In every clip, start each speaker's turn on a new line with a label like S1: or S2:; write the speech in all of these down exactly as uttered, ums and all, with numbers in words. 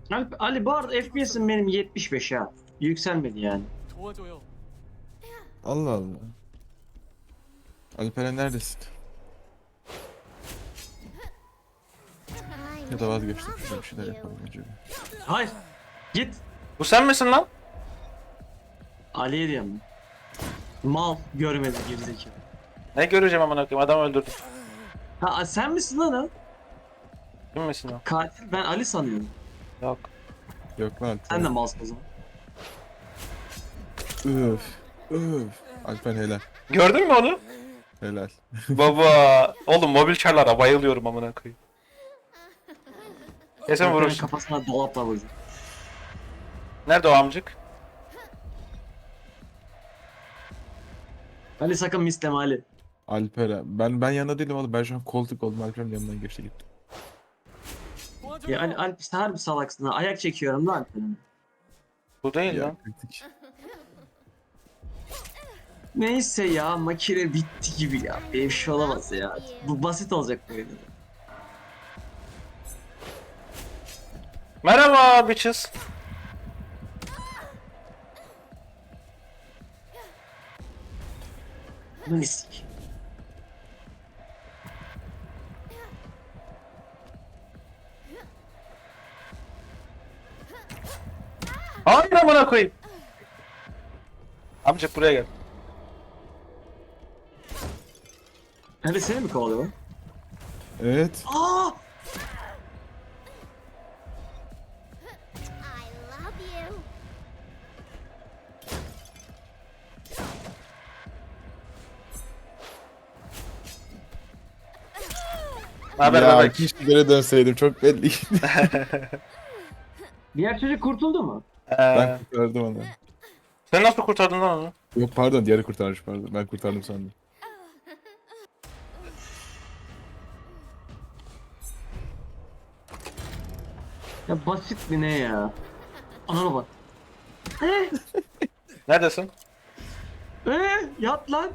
S1: Ali, Ali bu arada F P S'im benim yetmiş beş ha. Yükselmedi yani.
S2: 도와줘요.
S3: Allah Allah. Alperen neredesin? Ya da vazgeçtim. Şurada bir şeyler yapalım önce.
S1: Hayır. Git.
S4: Bu sen misin lan?
S1: Ali'ye diyorum. Mal görmedi gerizekalı.
S4: Ne göreceğim amına koyayım, adam öldürdüm.
S1: Ha sen misin lan o?
S4: Kim misin o?
S1: Katil ben Ali sanıyorum.
S4: Yok.
S3: Yok lan
S1: Sen de
S3: Alperen.
S1: malsın o zaman.
S3: Öf. Öf. Alperen helal.
S4: Gördün mü onu?
S3: Helal.
S4: Baba. Oğlum mobil çarlara bayılıyorum amına koyayım. Kesin
S1: Alper'in
S4: vurursun.
S1: kafasına dolapla vurdu.
S4: Nerede o amcık?
S1: Ali sakın misleme Ali.
S3: Alperen. Ben ben yanında değilim oğlum. Ben şu an koltuk oldum. Alperen yanından geçti gitti.
S2: 도와줘요.
S1: Ya Ali, Ali işte harbi salaksın ha. Ayak çekiyorum lan Alper'in.
S4: Bu değil
S3: Ya
S4: lan.
S3: kritik.
S1: Neyse ya makine bitti gibi ya. Bir şey olamaz ya. Bu basit olacak böyle.
S4: Merhaba bitches.
S1: Misik.
S4: Hayır amına koyayım. Amcık buraya gel.
S1: Ali seni mi kovalıyor lan?
S3: Evet.
S1: Aa!
S5: I love you.
S4: Ne haber
S3: Ya
S4: bebek?
S3: keşke geri dönseydim. Çok belli.
S1: Diğer çocuk kurtuldu mu?
S3: Ben
S4: Ee,
S3: kurtardım onu.
S4: sen nasıl kurtardın lan onu?
S3: Yok pardon diğeri kurtarmış pardon. Ben kurtardım sandım.
S1: Ya basit mi ne ya? Anana bak. Eh,
S4: Neredesin?
S1: eh, yat lan.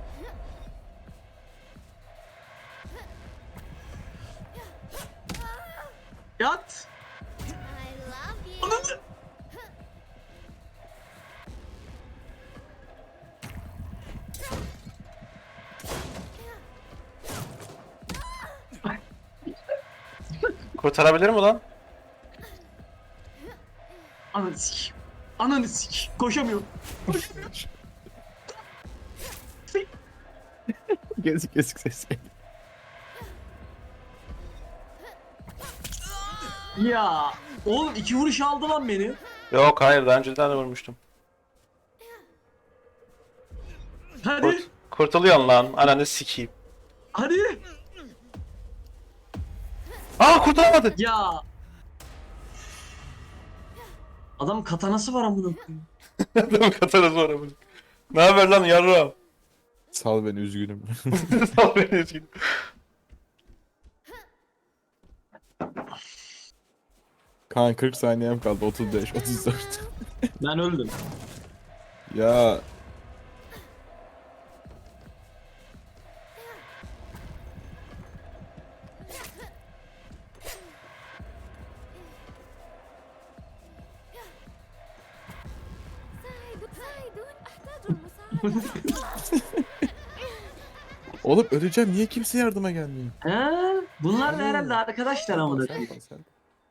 S1: Yat.
S5: I love you.
S4: Kurtarabilir mi lan?
S1: Ananı sik. Ananı sik. Koşamıyorum.
S3: Kesik kesik ses.
S1: Ya. Oğlum iki vuruş aldı lan beni.
S4: Yok hayır, daha önceden de vurmuştum.
S1: Hadi.
S4: Kurt kurtuluyorsun lan, ananı sikeyim.
S1: Hadi.
S4: Aa kurtulamadı.
S1: Ya. Adam katanası var amına koyayım.
S4: Adamın katarası var amına. Ne haber lan yarra?
S3: Sal beni üzgünüm.
S4: Sal beni üzgünüm.
S3: Kaan kırk saniyem kaldı. otuz beş, otuz dört.
S1: Ben öldüm.
S3: Ya
S5: ساعدوا ساعدون أحتاج المساعدة.
S3: oğlum öleceğim. Niye kimse yardıma gelmiyor?
S1: He? Bunlar da herhalde arkadaşlar amına
S3: Sen
S1: koyayım.
S3: kal, sen kal.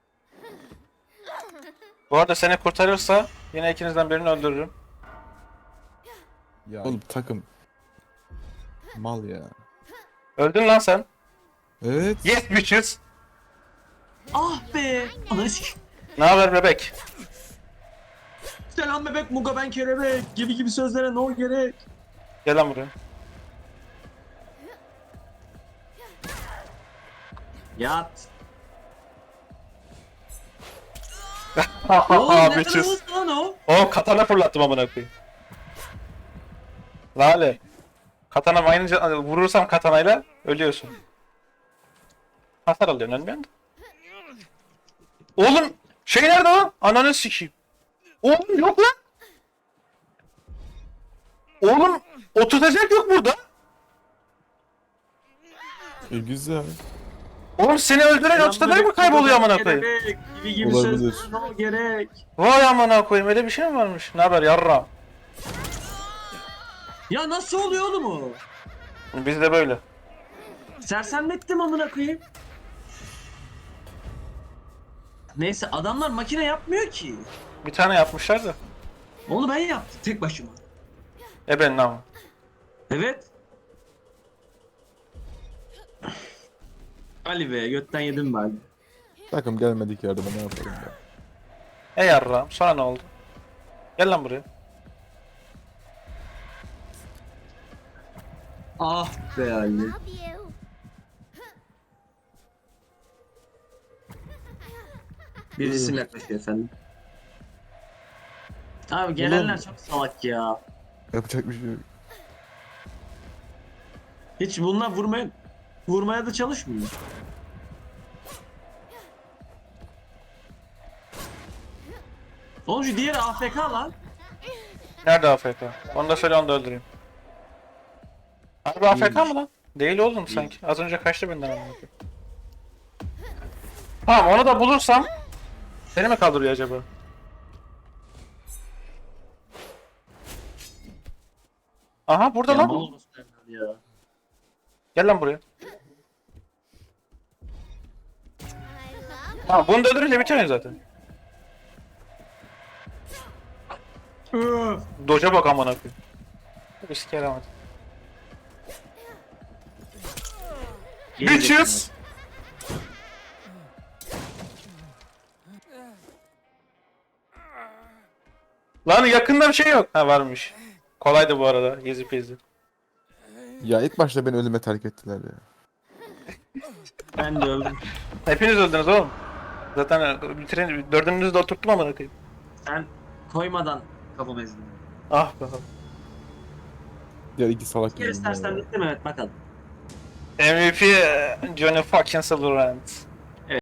S4: Bu arada seni kurtarırsa yine ikinizden birini öldürürüm.
S3: Ya oğlum takım. Mal ya.
S4: Öldün lan sen.
S3: Evet.
S4: Yes bitches.
S1: Ah be. Ananı sik.
S4: Ne haber bebek?
S1: Selam bebek muga ben kelebek gibi gibi sözlere no gerek.
S4: Gel lan buraya.
S1: Yat. Oğlum
S4: Haha
S1: ne kadar
S4: bitches.
S1: hızlı lan o.
S4: O katana fırlattım amına koyayım. Lale. Katana aynı vurursam katanayla ölüyorsun. Hasar alıyorsun, ölmüyorsun da. Oğlum şey nerede lan? Ananı sikeyim. Oğlum yok lan. Oğlum oturtacak yok burada.
S3: E, güzel.
S4: Oğlum seni öldüren ortada mı kayboluyor amına koyayım?
S1: Gerek, gibi gibi
S3: Olabilir.
S1: sözler o gerek.
S4: Vay amına koyayım öyle bir şey mi varmış? Ne haber yarram?
S1: Ya nasıl oluyor oğlum o?
S4: Biz de böyle.
S1: Sersemlettim amına koyayım. Neyse adamlar makine yapmıyor ki.
S4: Bir tane yapmışlar da.
S1: Onu ben yaptım tek başıma.
S4: E ben ne ama?
S1: Evet. Ali be götten yedim ben.
S3: Takım gelmedik yardıma ne yapalım ya.
S4: E yarram sonra ne oldu? Gel lan buraya.
S1: Ah be Ali.
S5: Love you.
S1: Bir isim yaklaşıyor efendim. Abi gelenler çok salak ya.
S3: Yapacak bir şey yok.
S1: Hiç bunlar vurmaya vurmaya da çalışmıyor. Oğlum şu diğeri A F K lan.
S4: Nerede A F K? Onu da söyle onu da öldüreyim. Harbi A F K mı lan? Değil oğlum sanki. Az önce kaçtı benden amına koyayım. Tamam onu da bulursam seni mi kaldırıyor acaba? Aha burada
S1: Ya
S4: lan.
S1: mal olmasın evladı ya.
S4: Gel lan buraya.
S5: I love
S4: Tamam bunu da öldürünce bitiyor zaten.
S1: Öf.
S4: Doja bak amına koyayım. Bir sike yaramadı.
S1: Geri
S4: Bitches! Lan yakında bir şey yok. Ha varmış. Kolaydı bu arada. Easy peasy.
S3: Ya ilk başta beni ölüme terk ettiler ya.
S1: Ben de öldüm.
S4: Hepiniz öldünüz oğlum. Zaten bitirin dördünüzü de oturttum amına koyayım.
S1: Sen koymadan kafamı ezdin.
S4: Ah be.
S3: Ya iki salak
S1: Bir kere
S3: yüzünden
S1: istersen
S3: ya.
S1: bitti mi? Evet bakalım.
S4: M V P Johnny fucking Silverhand.